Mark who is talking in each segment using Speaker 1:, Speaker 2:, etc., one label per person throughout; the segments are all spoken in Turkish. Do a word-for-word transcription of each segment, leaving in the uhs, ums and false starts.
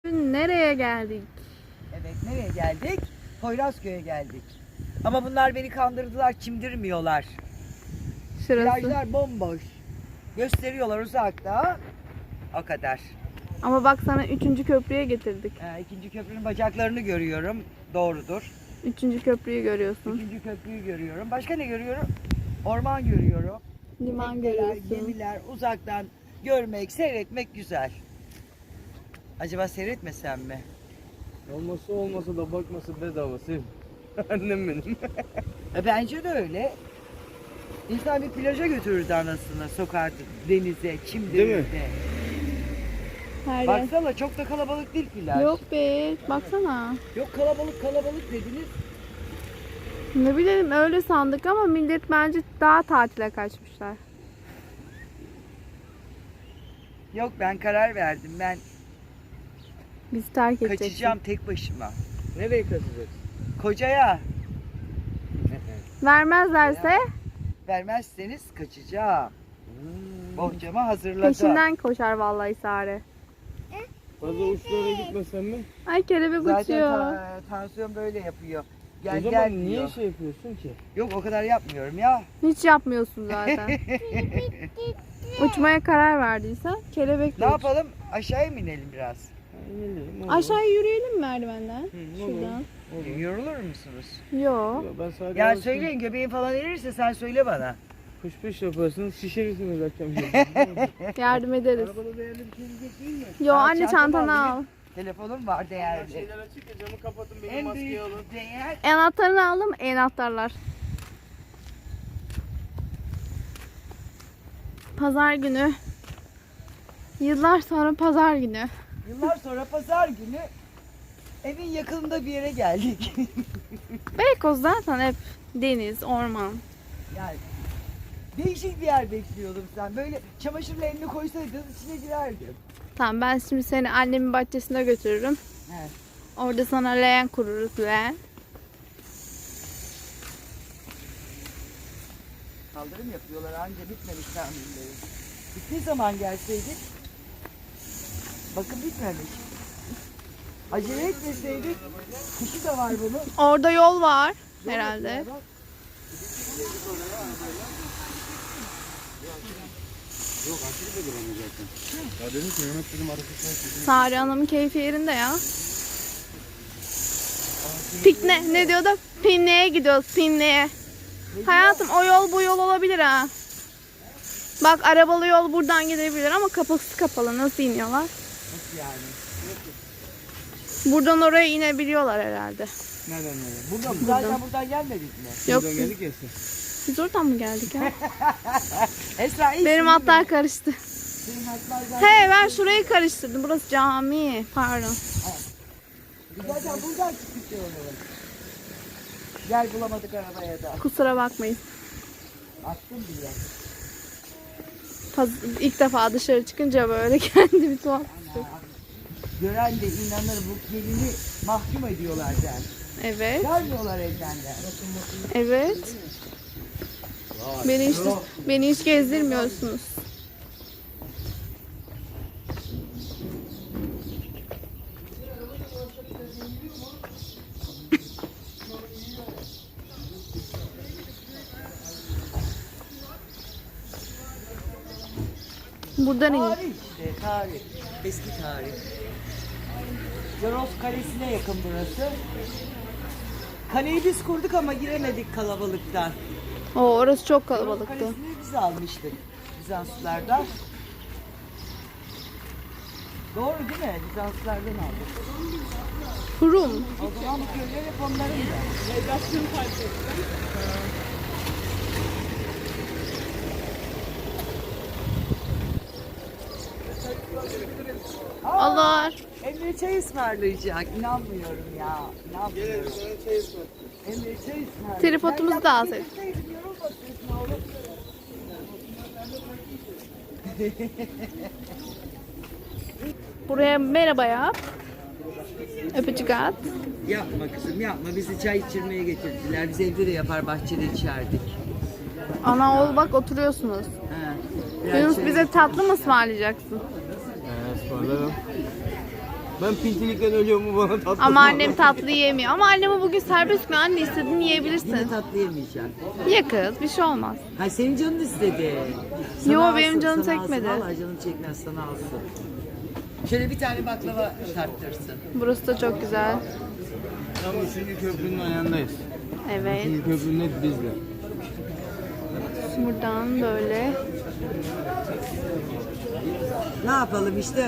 Speaker 1: Nereye geldik?
Speaker 2: Evet, nereye geldik? Poyrazköy'e geldik. Ama bunlar beni kandırdılar, çimdirmiyorlar.
Speaker 1: Şurası.
Speaker 2: Plajlar bomboş. Gösteriyorlar uzakta. O kadar.
Speaker 1: Ama bak sana üçüncü köprüye getirdik.
Speaker 2: Ee, ikinci köprünün bacaklarını görüyorum. Doğrudur.
Speaker 1: Üçüncü köprüyü görüyorsun.
Speaker 2: Üçüncü köprüyü görüyorum. Başka ne görüyorum? Orman görüyorum.
Speaker 1: Liman
Speaker 2: Tekneler,
Speaker 1: görüyorsun.
Speaker 2: gemiler uzaktan görmek, seyretmek güzel. Acaba seyretmesem mi?
Speaker 3: Olması olmasa da bakması bedava Sevim. Annem benim.
Speaker 2: E, bence de öyle. İnsan bir plaja götürürdü anasını, sokardı denize, çimdirirdi.
Speaker 1: Her yer.
Speaker 2: Baksana çok da kalabalık değil plaj.
Speaker 1: Yok be, baksana.
Speaker 2: Yok kalabalık kalabalık dediniz.
Speaker 1: Ne bileyim öyle sandık ama millet bence daha tatile kaçmışlar.
Speaker 2: Yok ben karar verdim. Ben
Speaker 1: Bizi terk edeceksin.
Speaker 2: kaçacağım tek başıma.
Speaker 3: Nereye kaçacaksın?
Speaker 2: Kocaya
Speaker 1: Vermezlerse
Speaker 2: vermezseniz kaçacağım.
Speaker 3: Hmm.
Speaker 2: Bohçama hazırladım.
Speaker 1: peşinden koşar vallahi Sare.
Speaker 3: Fazla uçlara gitmesen mi?
Speaker 1: Ay kelebek
Speaker 2: Zaten
Speaker 1: uçuyor.
Speaker 2: ta- tansiyon böyle yapıyor. Gel
Speaker 3: o zaman
Speaker 2: gel
Speaker 3: niye
Speaker 2: diyor.
Speaker 3: şey yapıyorsun ki?
Speaker 2: Yok o kadar yapmıyorum ya.
Speaker 1: Hiç yapmıyorsun zaten. Uçmaya karar verdiysen kelebek
Speaker 2: Ne
Speaker 1: uç.
Speaker 2: yapalım? Aşağıya mı inelim biraz?
Speaker 3: Ha, inelim, olur.
Speaker 1: Aşağıya yürüyelim mi merdivenden?
Speaker 3: Hı, olur.
Speaker 1: Şuradan.
Speaker 3: Olur.
Speaker 2: Yorulur musunuz?
Speaker 1: Yo.
Speaker 3: Ya ben sadece
Speaker 2: Ya
Speaker 3: alıştım.
Speaker 2: söyleyin göbeğin falan erirse sen söyle bana.
Speaker 3: Kuş peş yaparsınız şişirirsiniz akşam.
Speaker 1: Yardım ederiz.
Speaker 3: Arabada değerli bir şey diyecek değil mi?
Speaker 1: Yo
Speaker 2: Al,
Speaker 1: anne
Speaker 2: çantamı
Speaker 1: çantanı
Speaker 2: alayım.
Speaker 1: al.
Speaker 2: Telefonum var değerli.
Speaker 3: Şeyler açık ya camı kapatın benim
Speaker 2: En
Speaker 3: maskeyi
Speaker 2: büyük
Speaker 3: alın.
Speaker 2: değer
Speaker 1: Anahtarını aldım. Anahtarlar. Pazar günü. Yıllar sonra pazar günü.
Speaker 2: yıllar sonra pazar günü evin yakınında bir yere geldik.
Speaker 1: Beykoz zaten hep deniz, orman.
Speaker 2: Yani değişik bir yer bekliyordum sen. Böyle çamaşırla elini koysaydın içine girerdim.
Speaker 1: Tamam ben şimdi seni annemin bahçesine götürürüm.
Speaker 2: He.
Speaker 1: Orada sana leğen kururuz leğen.
Speaker 2: Kaldırım yapıyorlar anca bitmemiş tamirleri. Bittiği zaman gelseydik. Bakın bitmemiş. Acele etmeseydik. Kışı da var bunun.
Speaker 1: Orada yol var
Speaker 2: Yol
Speaker 1: herhalde.
Speaker 2: yapıyorlar.
Speaker 3: Yok aşırı da duramayacaksın. Ya dedim ki Mehmet dedim arasında.
Speaker 1: Sari Hanım'ın keyfi yerinde ya. Pikne ne diyor da Pinne'ye gidiyoruz Pinne'ye. Hayatım o yol bu yol olabilir ha. Bak arabalı yol buradan gidebilir ama kapısı kapalı. Nasıl iniyorlar?
Speaker 2: Nasıl yani?
Speaker 1: Buradan oraya inebiliyorlar herhalde.
Speaker 3: Nereden nereye?
Speaker 2: Buradan, zaten buradan gelmedik mi?
Speaker 1: Yok
Speaker 3: Buradan
Speaker 1: biz,
Speaker 3: geldik ya sen.
Speaker 1: biz oradan mı geldik ya?
Speaker 2: Esra iyisin
Speaker 1: Benim
Speaker 2: değil
Speaker 1: hatlar
Speaker 2: mi?
Speaker 1: karıştı.
Speaker 2: Senin hatlar zaten.
Speaker 1: He ben şurayı karıştırdım. Burası cami. Pardon.
Speaker 2: Biz zaten buradan çıktık ya oğlum. Gel bulamadık arabaya da.
Speaker 1: Kusura bakmayın.
Speaker 2: Attım bile.
Speaker 1: Paz- İlk defa dışarı çıkınca böyle kendimi tuhaf.
Speaker 2: Gören de inanır bu gelini mahkum ediyorlar der.
Speaker 1: Evet.
Speaker 2: Gelmiyorlar evden der.
Speaker 1: Evet. Beni hiç, beni hiç gezdirmiyorsunuz. Buradan in.
Speaker 2: Tarih işte tarih. Eski tarih. Yoros Kalesi'ne yakın burası. Kaleyi biz kurduk ama giremedik kalabalıktan.
Speaker 1: Oo, orası çok
Speaker 2: Yoros
Speaker 1: kalabalıktı.
Speaker 2: Kalesi'ni biz almıştık Bizanslılardan. Doğru değil mi? Bizanslılardan aldık.
Speaker 1: Kurum.
Speaker 2: O zaman bu köyler hep onların da.
Speaker 1: Allah.
Speaker 2: Emre çay ısmarlayacak. İnanmıyorum ya. İnanmıyorum.
Speaker 3: Çay ısmarlayın.
Speaker 2: Emre çay ısmarlayacak.
Speaker 1: Tripodumuzu da alsaydık.
Speaker 2: Getirseydin, yorulmasın oğlum.
Speaker 1: Buraya merhaba yap. Öpücük at.
Speaker 2: Yapma kızım yapma. Bizi çay içirmeye getirdiler. Biz evde de yapar bahçede içerdik.
Speaker 1: Ana oğul bak oturuyorsunuz.
Speaker 2: Ha, biraz
Speaker 1: Yunus
Speaker 2: çay-
Speaker 1: bize tatlı mı ısmarlayacaksın?
Speaker 3: He ısmarlarım. Ben pintilikten ölüyorum, bu bana tatlı.
Speaker 1: Ama annem tatlı yemiyor. Ama anneme bugün serbest mi? Anne istediğini yiyebilirsin.
Speaker 2: Yine tatlı yemeyeceğim.
Speaker 1: Ye kız, bir şey olmaz.
Speaker 2: Ha senin canın istedi.
Speaker 1: Yo,
Speaker 2: alsın,
Speaker 1: benim canım
Speaker 2: sana
Speaker 1: çekmedi.
Speaker 2: Alsın. Vallahi canım çekmez, sana alsın. Şöyle bir tane baklava tarttırsın.
Speaker 1: Burası da çok güzel.
Speaker 3: Tam üçüncü köprünün ayağındayız.
Speaker 1: Evet.
Speaker 3: Üçüncü köprünün net bizde.
Speaker 1: Buradan böyle.
Speaker 2: Ne yapalım işte.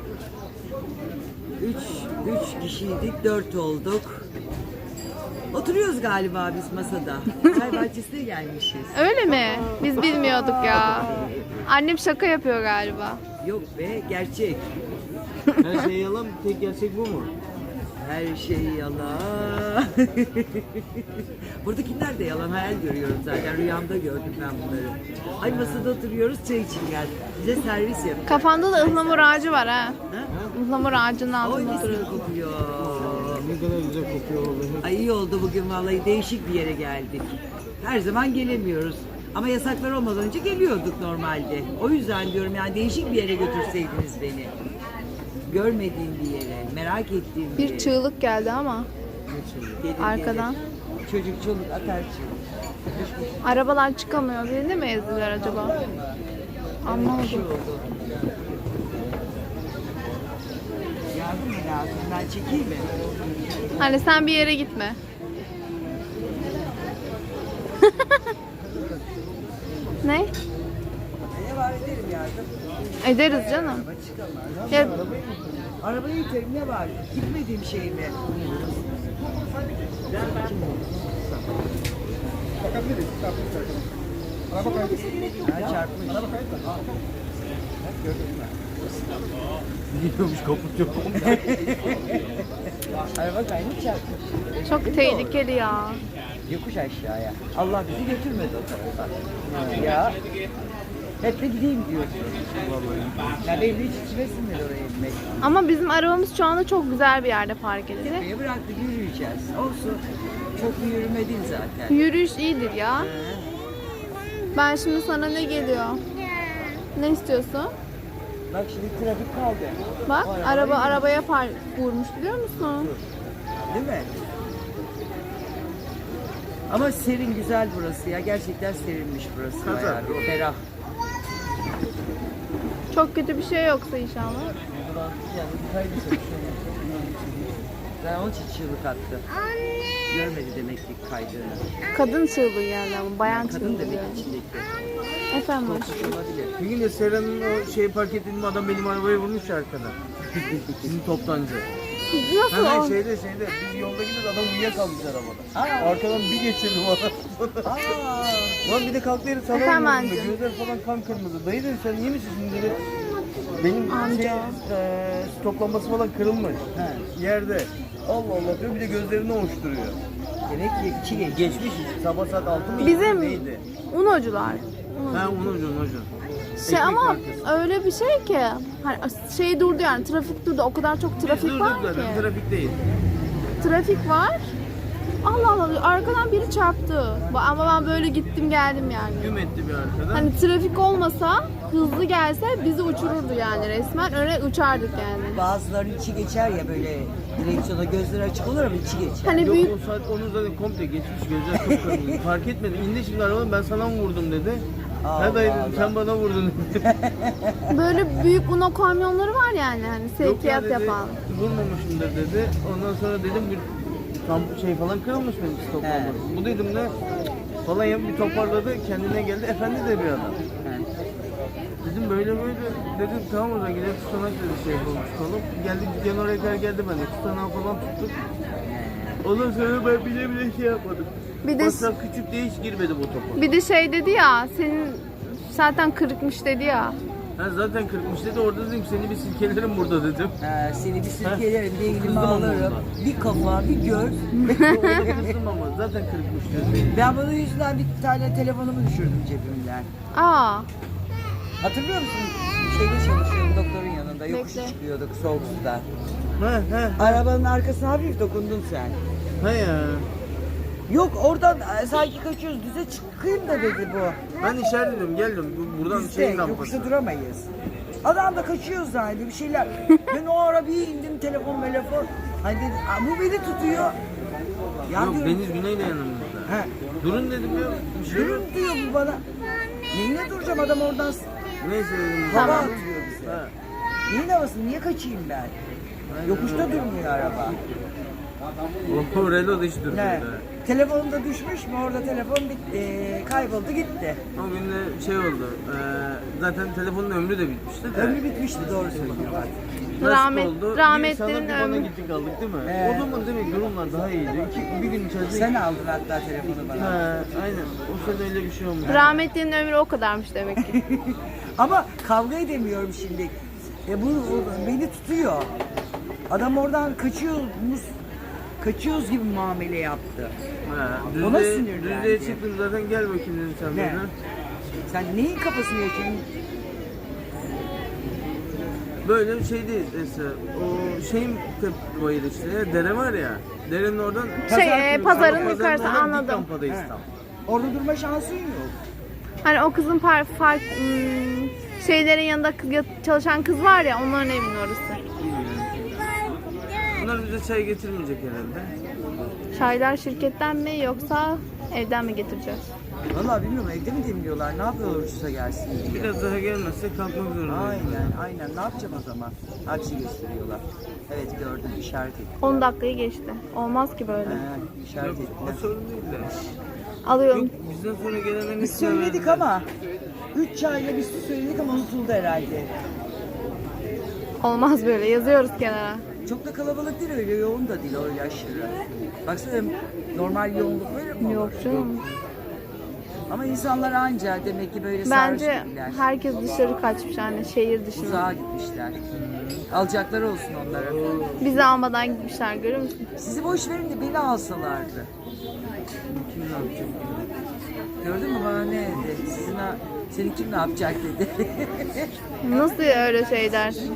Speaker 2: Üç, üç kişiydik, dört olduk. Oturuyoruz galiba biz masada. Çay bahçesine gelmişiz.
Speaker 1: Öyle mi? Biz bilmiyorduk ya. Annem şaka yapıyor galiba.
Speaker 2: Yok be, gerçek.
Speaker 3: Her şey yalan, tek gerçek bu mu?
Speaker 2: Her şey yalan. Buradakiler de yalan, hayal görüyorum zaten. Rüyamda gördüm ben bunları. Ay masada oturuyoruz, çay için geldik. Bize servis yap.
Speaker 1: Kafanda da ıhlamur ağacı var ha.
Speaker 2: Ha?
Speaker 1: Ihlamur ağacının
Speaker 2: Oy
Speaker 1: altında
Speaker 2: mis gibi
Speaker 1: oturuyorsun.
Speaker 2: kokuyor.
Speaker 3: Ne kadar güzel kokuyor vallahi.
Speaker 2: Ay iyi oldu bugün vallahi, değişik bir yere geldik. Her zaman gelemiyoruz. Ama yasaklar olmadan önce geliyorduk normalde. O yüzden diyorum yani değişik bir yere götürseydiniz beni. Görmediğim bir yere, merak ettiğim bir,
Speaker 1: Bir
Speaker 2: yere.
Speaker 1: çığlık geldi ama
Speaker 2: Gelir,
Speaker 1: arkadan.
Speaker 2: gelir. Çocuk çoluk atar çığlık.
Speaker 1: Arabalar çıkamıyor. Birini mi ezdiler acaba?
Speaker 2: Bir şey
Speaker 1: Anlamadım.
Speaker 2: oldu. Yardım mı lazım? Ben çekeyim mi?
Speaker 1: Hani sen bir yere gitme. Ne?
Speaker 2: Ne var, ederim yardım.
Speaker 1: Ederiz canım.
Speaker 2: Araba çıkamaz.
Speaker 1: Ya,
Speaker 2: Arabayı iterim, ne var? Gitmediğim şey mi? Ha, çarpmış.
Speaker 3: Gidiyormuş, kaput yok.
Speaker 2: Araba kaymış, çarpmış.
Speaker 1: çok tehlikeli ya.
Speaker 2: Yokuş aşağıya. Allah bizi götürmedi o tarafa. Ya. Hep de gideyim diyorsun. Ya belli hiç içime sinmedi oraya inmek.
Speaker 1: Ama bizim arabamız şu anda çok güzel bir yerde park edildi.
Speaker 2: Buraya bıraktık, yürüyeceğiz. Olsun. Çok bir yürüme değil zaten.
Speaker 1: Yürüyüş iyidir ya. Ben şimdi sana ne geliyor? Ne istiyorsun?
Speaker 2: Bak şimdi trafik kaldı.
Speaker 1: Bak
Speaker 2: O araba
Speaker 1: araba
Speaker 2: yürüyor.
Speaker 1: arabaya park vurmuş biliyor musun?
Speaker 2: Değil mi? Ama serin, güzel burası ya. Gerçekten serinmiş burası.
Speaker 3: Kazak.
Speaker 2: Bayağı bir ferah.
Speaker 1: Çok kötü bir şey yoksa inşallah.
Speaker 2: Yani bir kaydı Ben onun için çığlık attı. Görmedi demek ki kaydığını.
Speaker 1: Kadın çığlığı geldi ama bayan
Speaker 2: Kadın
Speaker 1: çığlığı
Speaker 2: demek
Speaker 1: geldi.
Speaker 2: içindeki.
Speaker 1: Efendim
Speaker 2: Korkmuş olabilir.
Speaker 3: Bir gün de Sera'nın o şeyi park ettiğim adam benim arabayı vurmuş ya arkada. Bizim toptancı.
Speaker 1: nasıl
Speaker 3: Ha,
Speaker 1: oldu?
Speaker 3: şeyde şeyde biz yolda gidiyoruz, adam uyuyakalmış arabada. Arkadan bir geçirdim ona.
Speaker 2: Aa,
Speaker 3: Lan bir de kalktı herif sana
Speaker 1: Efendim
Speaker 3: vurdu.
Speaker 1: amca.
Speaker 3: Gözler falan kan kırmızı. Dayı dedi sen iyi misin şimdi dedi. Benim
Speaker 1: Amca.
Speaker 3: şey, e, stop lambası falan kırılmış.
Speaker 2: He.
Speaker 3: Yerde. Allah Allah diyor, bir de gözlerini ovuşturuyor.
Speaker 2: demek ki iki geç.
Speaker 3: Geçmiş sabah saat altı mı?
Speaker 1: Bizim
Speaker 3: neydi?
Speaker 1: unocular.
Speaker 3: Ha onu hocam hocam.
Speaker 1: Şey
Speaker 3: Ekmek
Speaker 1: ama
Speaker 3: markası.
Speaker 1: öyle bir şey ki hani şey durdu yani trafik durdu o kadar çok
Speaker 3: Biz
Speaker 1: trafik var
Speaker 3: durduk zaten,
Speaker 1: ki.
Speaker 3: trafikteyiz.
Speaker 1: Trafik var. Allah Allah arkadan biri çarptı. Ama ben böyle gittim geldim yani.
Speaker 3: Güm etti bir arkadan.
Speaker 1: Hani trafik olmasa hızlı gelse bizi uçururdu yani resmen öyle uçardık yani.
Speaker 2: Bazılarının içi geçer ya böyle direksiyona gözleri açık olur ama içi geçer.
Speaker 1: Hani
Speaker 3: Yok
Speaker 1: büyük
Speaker 3: o saat onu zaten komple geçmiş, gözler çok kırmızı. Fark etmedim. İndi şimdi arabadan, ben sana mı vurdum dedi.
Speaker 2: Allah
Speaker 3: Ha dayı dedim,
Speaker 2: Allah.
Speaker 3: sen bana vurdun dedi.
Speaker 1: böyle büyük Uno kamyonları var yani hani
Speaker 3: Yok ya
Speaker 1: sevkiyat
Speaker 3: dedi,
Speaker 1: yapan.
Speaker 3: vurmamışımdır dedi. Ondan sonra dedim bir tam şey falan kırılmış benim stop
Speaker 2: He.
Speaker 3: lambası. Bu dedim de falan yapıp bir toparladı, kendine geldi. Efendi de bir adam. Dedim böyle böyle, dedim tamam o zaman gidelim tutanak dedi, şey yapalım tutalım. Geldik dükkan oraya kadar geldi, ben de tutanağı falan tuttuk. Ondan sonra ben bile bile şey yapmadım.
Speaker 1: Bir de
Speaker 3: Masraf küçük diye hiç girmedim o topa.
Speaker 1: bir de şey dedi ya senin zaten kırıkmış dedi ya.
Speaker 3: Ha zaten kırıkmış dedi, orada dedim ki seni bir silkelerim burada dedim.
Speaker 2: Ha, seni bir sirkelerim, bir elimi
Speaker 3: Kızdım ama
Speaker 2: alırım.
Speaker 3: ondan.
Speaker 2: Bir kafa, bir göz.
Speaker 3: Kızdım ama zaten kırıkmış diyor.
Speaker 2: Ben bunun yüzünden bir tane telefonumu düşürdüm cebimden.
Speaker 1: Aa
Speaker 2: Hatırlıyor musun? Şeyde çalışıyorum, doktorun yanında. Yokuş
Speaker 1: Bekle.
Speaker 2: çıkıyorduk soğuk suda.
Speaker 3: Ha ha
Speaker 2: Arabanın arkasına hafif dokundun sen.
Speaker 3: ha ya.
Speaker 2: Yok oradan e, sanki kaçıyoruz, düze çıkayım da dedi bu.
Speaker 3: Ben işaret ediyorum, geldim. Bu- Buradan
Speaker 2: Biz de
Speaker 3: şeyin lambası.
Speaker 2: yokuşta duramayız. Adam da kaçıyor zannediyor bir şeyler. Ben o ara bir indim telefon telefon. Hani dedim, "Aa, bu beni tutuyor. Ya
Speaker 3: Yok
Speaker 2: diyorum,
Speaker 3: Deniz Güney de yanımızda.
Speaker 2: he,
Speaker 3: Durun dedim ya. Bir şey yok.
Speaker 2: durun diyor bu bana. Neyine duracağım adam oradan
Speaker 3: Neyse dedim.
Speaker 2: hava
Speaker 1: Tamam.
Speaker 2: atıyor bize.
Speaker 3: Ha.
Speaker 2: Neyin havası? Niye kaçayım ben? Yokuşta durmuyor araba.
Speaker 3: O Renault da hiç durmuyor
Speaker 2: Ne?
Speaker 3: da.
Speaker 2: Telefonum da düşmüş mü? Orada telefon bitti. Kayboldu gitti.
Speaker 3: O gün de şey oldu. E, zaten telefonun ömrü de bitmişti de.
Speaker 2: Ömrü bitmişti doğru söylüyorlar.
Speaker 3: Nasıl
Speaker 1: Rahmet-
Speaker 3: oldu?
Speaker 1: rahmetlerin
Speaker 3: Bir sana bir bana
Speaker 1: ömrü-
Speaker 3: gittik aldık değil mi?
Speaker 2: Ee.
Speaker 3: O zaman demek durumlar daha iyiydi. İki, bir gün içerisinde...
Speaker 2: Sen aldın hatta telefonu bana.
Speaker 3: Ha, aynen. O sene öyle bir şey olmuş.
Speaker 1: Rahmetlinin ömrü o kadarmış demek ki.
Speaker 2: Ama kavga edemiyorum şimdi. E bu o beni tutuyor. Adam oradan kaçıyoruz, kaçıyoruz gibi muamele yaptı.
Speaker 3: Ha,
Speaker 2: Ona
Speaker 3: düzlüğe,
Speaker 2: sinirlendi.
Speaker 3: düzlüğe çıktın zaten gel bakayım dedim sen
Speaker 2: Ne?
Speaker 3: bana.
Speaker 2: Sen neyin kafasını yaşıyorsun?
Speaker 3: Böyle bir şey değil Esra. O şeyin bayırı işte ya, dere var ya. Derenin oradan
Speaker 1: Şey,
Speaker 3: Pazar
Speaker 1: e,
Speaker 3: günü,
Speaker 1: pazarın
Speaker 3: Salı
Speaker 1: yukarısı,
Speaker 3: oradan dik
Speaker 1: anladım.
Speaker 3: rampadayız
Speaker 2: He.
Speaker 3: tam.
Speaker 2: Orada durma şansın yok.
Speaker 1: Hani o kızın par, fark, hmm, şeylerin yanında kız- çalışan kız var ya, onların evinin orası.
Speaker 3: Bunlar bize çay getirmeyecek herhalde.
Speaker 1: Çaylar şirketten mi yoksa evden mi getireceğiz?
Speaker 2: Vallahi bilmiyorum evde mi demliyorlar? Ne yapıyorlar uçsa gelsin diye.
Speaker 3: Biraz daha gelmezse kalkmak zorundayız.
Speaker 2: Aynen aynen ne yapacağım o zaman? Aksi gösteriyorlar. Evet gördüm işaret ettim.
Speaker 1: on dakikayı geçti. Olmaz ki böyle.
Speaker 2: He, işaret
Speaker 3: Yok
Speaker 2: ettiler.
Speaker 3: o sorun değil de.
Speaker 1: Alıyorum.
Speaker 3: Yok bizden sonra gelenlerin
Speaker 2: Biz
Speaker 3: hepsine
Speaker 2: söyledik
Speaker 3: verdiler.
Speaker 2: ama üç çayla biz söyledik ama unutuldu herhalde.
Speaker 1: Olmaz böyle. Yazıyoruz kenara.
Speaker 2: Çok da kalabalık değil öyle yoğun da değil öyle aşırı. Baksana normal yoğunluk böyle mi olur?
Speaker 1: Yok canım.
Speaker 2: Ama insanlar anca demek ki böyle
Speaker 1: Bence
Speaker 2: sarhoş gibiler.
Speaker 1: herkes dışarı kaçmış yani şehir dışına.
Speaker 2: Uzağa gitmişler. Alacakları olsun onlara.
Speaker 1: Bizi almadan gitmişler, görüyor musun?
Speaker 2: Sizi boş verin de beni alsalardı.
Speaker 3: Kim ne yapacak?
Speaker 2: Gördün mü bana ne dedi? Sizin ha- seni kim ne yapacak dedi.
Speaker 1: Nasıl öyle şey dersin?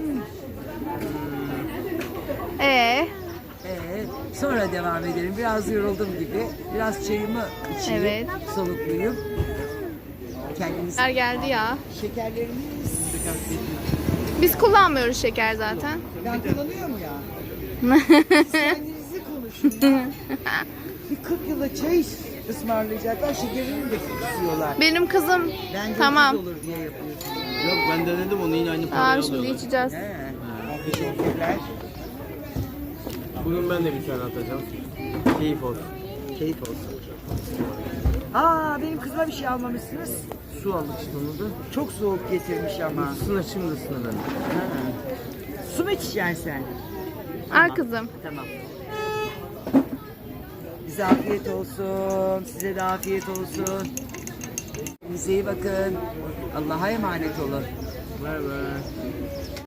Speaker 1: Ee,
Speaker 2: Ee, sonra devam edelim. Biraz yoruldum gibi. Biraz çayımı içeyim.
Speaker 1: Evet.
Speaker 2: Solukluyum. Kendiniz
Speaker 1: şeker geldi ya.
Speaker 2: şekerlerimi
Speaker 1: Biz kullanmıyoruz şeker zaten.
Speaker 2: ben kullanıyorum ya. Siz kendinizi konuşun ya. Bir kırk yılda çay ısmarlayacaklar. Şekerini de kısıyorlar.
Speaker 1: Benim kızım
Speaker 2: Bence
Speaker 1: tamam.
Speaker 2: ucuz olur diye yapıyorsunuz.
Speaker 3: Yok ben denedim onu yine aynı paraya
Speaker 1: Tamam şimdi
Speaker 3: alıyorlar.
Speaker 1: içeceğiz.
Speaker 2: He. Teşekkürler.
Speaker 3: Bugün ben de bir tane atacağım. Keyif olsun.
Speaker 2: Keyif olsun. Aa benim kızıma bir şey almamışsınız.
Speaker 3: Su aldık işte onu da.
Speaker 2: Çok soğuk getirmiş ama.
Speaker 3: Isına şimdi ısına ben.
Speaker 2: Ha. Su mu içeceksin sen?
Speaker 1: Al kızım.
Speaker 2: Tamam. Bize afiyet olsun. Size de afiyet olsun. Bize iyi bakın. Allah'a emanet olun.
Speaker 3: Bay bay.